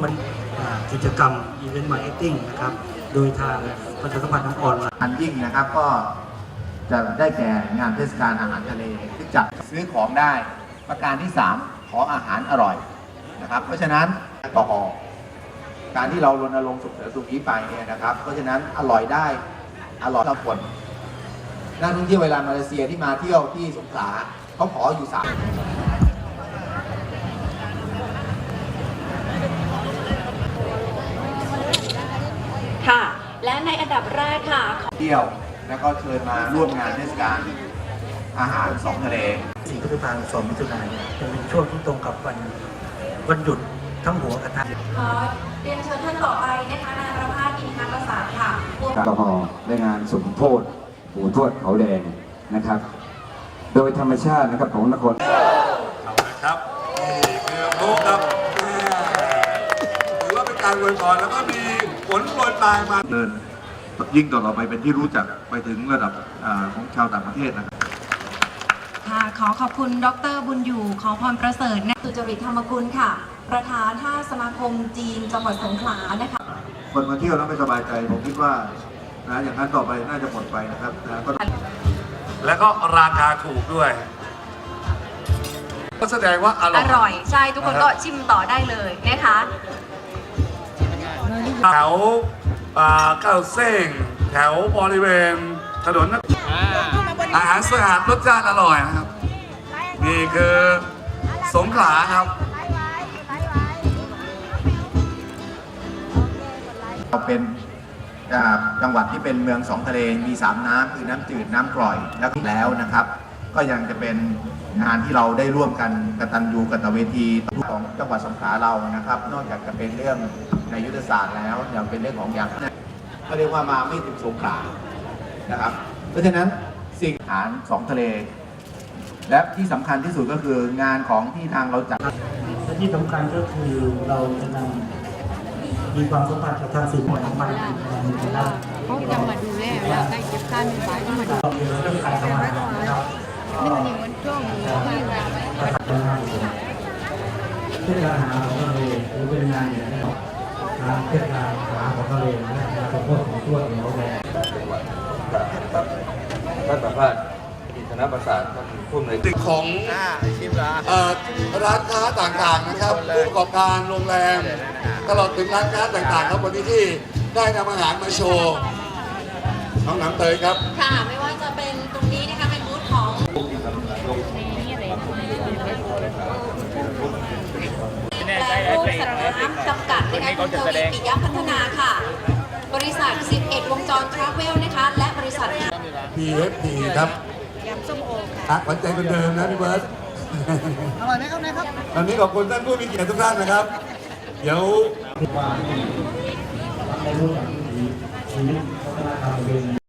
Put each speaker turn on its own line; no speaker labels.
มันกิจกรรมอีเวนต์มาร์เก็ตติ้งนะครับโดยทางประชาสัมพันธ์ทางออนไลน์
อันยิ่งนะครับก็จะได้แก่งานเทศกาลอาหารทะเลที่จัดซื้อของได้ประการที่3ขออาหารอร่อยนะครับเพราะฉะนั้นแอลกอฮอล์การที่เรารณรงค์ส่งเสริมตรงนี้ไปเนี่ยนะครับเพราะฉะนั้นอร่อยได้อร่อยทุกคนนักท่องเที่ยวเวลามาเลเซียที่มาเที่ยวที่สงขลาเขาขออยู่3
ค่ะและในอันดับแรกค่ะ
เที่ยวแล้วก็เชิญมาร่วมงานเทศกาลอาหาร2 ทะเล
4 พฤษภาคม 2 มิถุนายนจะเป็นช่วงที่ตรงกับวันหยุดทั้งหัวกระทะ
เรียนเชิญท่านต่อไปนะคะนายประภาส อินทรประสานค่ะ
แอลกอฮอล์ในงานสมโพธิปู่ทวดเขาแดงนะครับโดยธรรมชาตินะครับของนคร
นะครับนี่คือโลกครับถือว่าเป็นการอวยพรแล้วก็มีผลโปรยปลายมา
เดินยิ่งต่อไปเป็นที่รู้จักไปถึงระดับของชาวต่างประเทศนะครับ
ค่ะขอขอบคุณดร.บุญอยู่ขอพรประเสริฐสุจริตธรรมกุลค่ะประธาน5 สมาคมจีนจังหวัดสงขลานะคะ
คนมาเที่ยวแล้วไม่สบายใจผมคิดว่านะอย่างนั้นต่อไปน่าจะหมดไปนะครับ
แล้วก็ราคาถูกด้วยก็แสดงว่าอร่อย
ใช่ทุกคนก็ชิมต่อได้เลยนะคะ
แถวเก้าเส้งแถวบริเวณถนนอาหารสะอาดรสชาติอร่อยนะครับนี่คือสงขลาครับ
เราเป็นจังหวัดที่เป็นเมือง2 ทะเลมี3 น้ำคือน้ำจืดน้ำกร่อยแล้วนะครับก็ยังจะเป็นงานที่เราได้ร่วมกันกตัญญูกตเวทีของจังหวัดสงขลาเรานะครับนอกจากจะเป็นเรื่องในยุทธศาสตร์แล้วยังเป็นเรื่องของอย่างก็เรียกว่ามาไม่ถึงสงขลานะครับเพราะฉะนั้นสิ่งอาหาร2 ทะเลและที่สำคัญที่สุดก็คืองานของที่ทางเราจัด
และที่สำคัญก็คือเราจะนำมีความสัมพันธ์กับทางสื่อมวลชนมา
เขาจะมาดูแลแล้วได้เก็บค่ามีไฟก็มาดู
เรื่องการทำงานนะครับ
นี่มันยังวันช่วงนี้ไม่เวลา
เทศกาลอาหารของทะเลหรือเป็นงานอย่างนี้งานเทศกาลอาหารของทะเลและงานสมโภชของทั่วเหนือแดง
ท่านประภาส อินทรประสานท่านผู้อำนวย
ตึกของร้านค้าต่างๆนะครับผู้ประกอบการโรงแรมตลอดถึงร้านค้าต่างๆครับวันนี้ที่ได้นำอาหารมาโชว์น้องน้ำเตยครับ
ค่ะไม่ว่าจะเป็นตรงนี้นะคะเป็นบูธของแปรรูปสารน้ำจำกัดนะคะคุณทวีปิยพัฒนาค่ะบริษัท11 วงจรทราเวลนะคะและบริษัท
PFP ครับ
ยำส้มโอค่ะ
ขวัญใจคนเดิมนะพี่เบิร์ต
อร่อยไหมครับนะครับ
ตอนนี้ขอบคุณท่านผู้มีเกียรติทุกท่านนะครับเดี๋ยว
ในรูปแบบชีวิตวัฒนธรรมเป็น